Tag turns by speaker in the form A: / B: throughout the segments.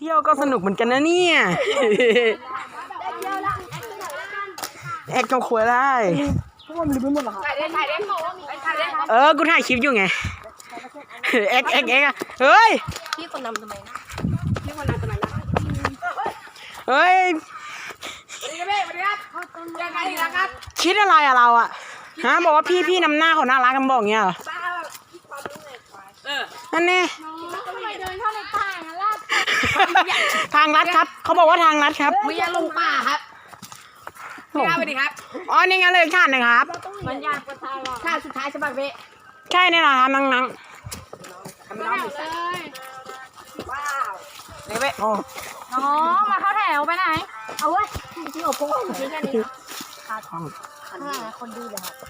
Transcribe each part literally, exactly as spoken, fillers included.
A: ที่ยวก็สนุกเหมือนกันนะเนี่ยแอคก็คุยได้เออกูถ่ายคลิปอยู่ไงแอคแอคแอคเฮ้ยพี่คนนำทำไมนะพี่คนนำทำไมนะเฮ้ยคิดอะไรอะเราอะฮะบอกว่าพี่พี่นำหน้าเขาน่ารักกันบอกเงี้ยเหรอนั่นนี่ทางลัดครับเขาบอกว่าทางลัดครับไม่อยากลงป่าครับลงไปดิครับอ๋อนี่ไงเลยชาตินะครับมันยากกว่าทางหรอชาติสุดท้ายใช่ป่ะเบ๊ใช่นี่แหละครับนังนังว้าวนี่เบ๊โอ้น้องมาเข้าแถวไปไหนเอาเว้ยที่หัวโป้งที่แค่นี้ขาทองคนดูเลยครับ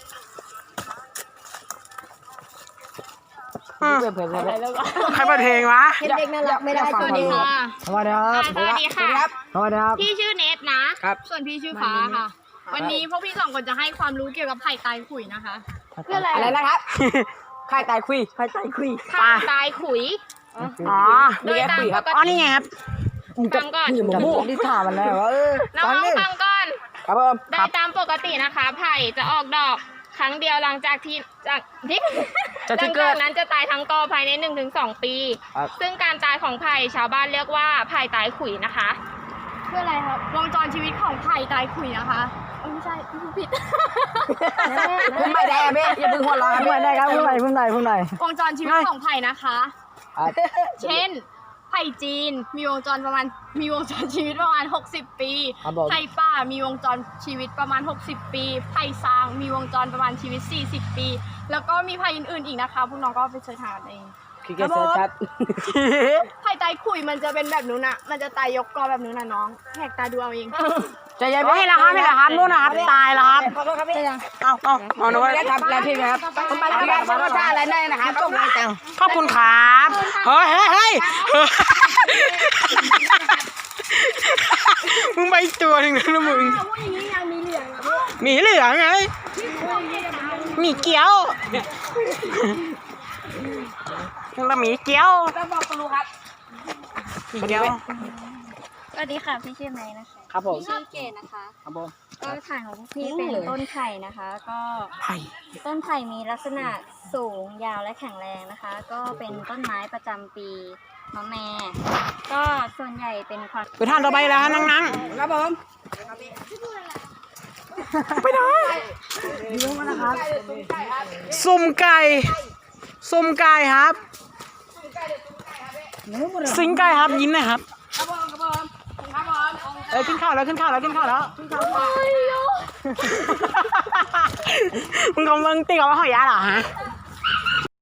A: ใครเปิดเพลงวะเด็กน่ารักไม่ได้สวัสดีค่ะสวัสดีครับสวัสดีค่ะสวัสดีครับพี่ชื่อเนทนะครับส่วนพี่ชื่อฟ้าค่ะวันนี้พวกพี่สองคนจะให้ความรู้เกี่ยวกับไผ่ตายขุยนะคะคืออะไรอะไรนะครับไผ่ตายขุยไผ่ตายขุยไผ่ตายขุยอ๋อโดยตามปกติอ๋อนี่ไงครับฟังก่อนที่ถามมันแล้วว่าเออน้องๆฟังก่อนครับผมโดยตามปกตินะคะไผ่จะออกดอกครั้งเดียวหลังจากที่จากที่หลังจากนั้นจะตายทั้งกอภายในหนึ่งถึงสองปีซึ่งการตายของไผ่ชาวบ้านเรียกว่าไผ่ตายขุยนะคะเพื่ออะไรครับวงจรชีวิตของไผ่ตายขุยนะคะไม่ใช่ผิดพูดไม่ได้เบ๊อย่าเพิ่งหัวเราะพูดไม่ได้ครับพูดไม่พูดไม่พูดไม่วงจรชีวิตของไผ่นะคะเช่นไผ่จีนมีวงจรประมาณมีวงจรชีวิตประมาณหกสิบปีไผ่ป่ามีวงจรชีวิตประมาณหกสิบปีไผ่ซางมีวงจรประมาณชีวิตสี่สิบปีแล้วก็มีไผ่อื่นๆอีกนะคะพวกน้องก็ไปเสิร์ชหาเองคือแกเสิร์ชครับไผ่ตายขุยมันจะเป็นแบบนู้นน่ะมันจะตายยกกอแบบนู้นน่ะน้องแหกตาดูเอาเองใจเย็นไม่ละครับไม่ละครับนู่นนะครับตายแล้วครับเอาเอาเอาหนูได้ทำแล้วพี่ครับผมไปแล้วผมก็ท่าอะไรได้นะครับจบเลยจังขอบคุณครับเฮ้ยเฮ้ยเฮ้ยมึงไปตัวหนึ่งนะมึงมีเหลืองไงมีเกี้ยวแล้วมีเกี้ยวบอกคุณลุงครับมีเกี้ยวสวัสดีค่ะพี่ชื่อไหนนะคะครับผมชื่อเกศนะคะครับผมก็ถ่ายของพี่เป็นต้นไผ่นะคะก็ต้นไผ่มีลักษณะสูงยาวและแข็งแรงนะคะก็เป็นต้นไม้ประจำปีมะแม่ก็ส่วนใหญ่เป็นความไปท่านต่อไปแล้วนั่งนั่งครับผมไปไหนยุ่งนะครับสุ่มไก่สุ่มไก่ครับสิงไก่ครับยิ้มหน่อยครับครับผมครับผมครับผมเอ้ยขึ้นข้าวแล้วขึ้นข้าวแล้วขึ้นข้าวแล้วขึ้นข้าวมึงกำลังตีกับว่าหอยยาเหรอฮะ